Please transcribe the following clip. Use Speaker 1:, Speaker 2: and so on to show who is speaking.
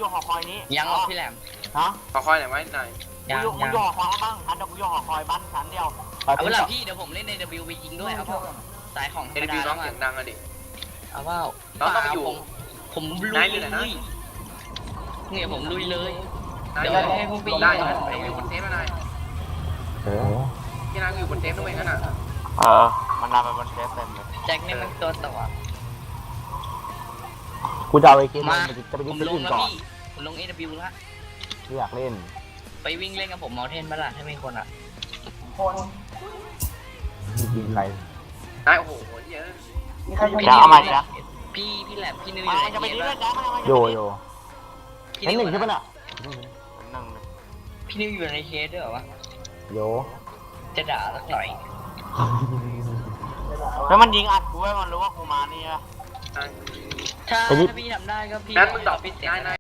Speaker 1: อยู่หอคอยนี้
Speaker 2: ยังหรอกพี่แหลม
Speaker 1: ฮะ
Speaker 3: ขอคอยหน่อยไหมนาย
Speaker 2: ยัง
Speaker 1: กู
Speaker 2: ยัง
Speaker 1: อยู่หอคอยบ้างอันเดี๋ยวกูอยู่หอคอยบ้านชั้นเดียว
Speaker 2: เอาเวลาพี่เดี๋ยวผมเล่นใน WB จริงด้วยเอาเปล่าสายของธร
Speaker 3: เอ็
Speaker 2: รม
Speaker 3: น
Speaker 2: ดา
Speaker 3: บีน้
Speaker 2: แล้
Speaker 3: อง
Speaker 2: ว
Speaker 3: เสียงดังอะดิ
Speaker 2: เอาเปล่า
Speaker 3: น้องต้องไปอยู่
Speaker 2: ผมลุย
Speaker 3: นายอยู่ไหนนะ
Speaker 2: เนี่ยผมลุยเลย
Speaker 3: นาย
Speaker 2: เดี๋ยวให้พวกพี่
Speaker 3: ได้
Speaker 2: ก่อน
Speaker 3: อยู่บนเทปแล้วนายพี่นายอยู่บนเทปด้วยงั้นน่ะ
Speaker 1: มันนำไปบนเทสเต็มเลย
Speaker 2: แจ็คนี่มันตัวต่อ
Speaker 4: กูจะเอาไอ้เกม
Speaker 2: มา
Speaker 4: จะไป
Speaker 2: ผ
Speaker 4: กิน
Speaker 2: ม
Speaker 4: ที่
Speaker 2: ลง
Speaker 4: อื่น
Speaker 2: แล้ว
Speaker 4: ก่อน
Speaker 2: พี่ผมลง AW ละ
Speaker 4: ไม่อยากเล่น
Speaker 2: ไปวิ่งเล่นกับผมเมาเทนบ้าล่ะถ้ามีคนอ่ะ
Speaker 4: กินอะไร
Speaker 3: นายโอ้โหเยอะ
Speaker 1: จะเอามาจ้ะ
Speaker 2: พี่แหลมพี่นิวอ
Speaker 1: มา
Speaker 2: ยู่ไหน
Speaker 1: จะไป
Speaker 2: เท
Speaker 1: ดี
Speaker 2: ป
Speaker 1: ด้วยจ้ะ
Speaker 4: โยโย่
Speaker 2: พี่
Speaker 4: เห็น
Speaker 2: นิว
Speaker 4: หนึ่งใช่ปะน่ะ
Speaker 1: หนึ่ง
Speaker 2: พี่นิวอยู่ในเคสด้วยเหรอวะ
Speaker 4: โย
Speaker 2: จะด่าสักหน่อย
Speaker 1: แล้วมันยิงอัดกูไว้มันรู้ว่ากูมานี่นะ
Speaker 3: นาย
Speaker 2: ถ้าพี่ทำได้ก็พี่
Speaker 3: แนทมึงดรอป
Speaker 2: พี่เสร็จ
Speaker 3: นาย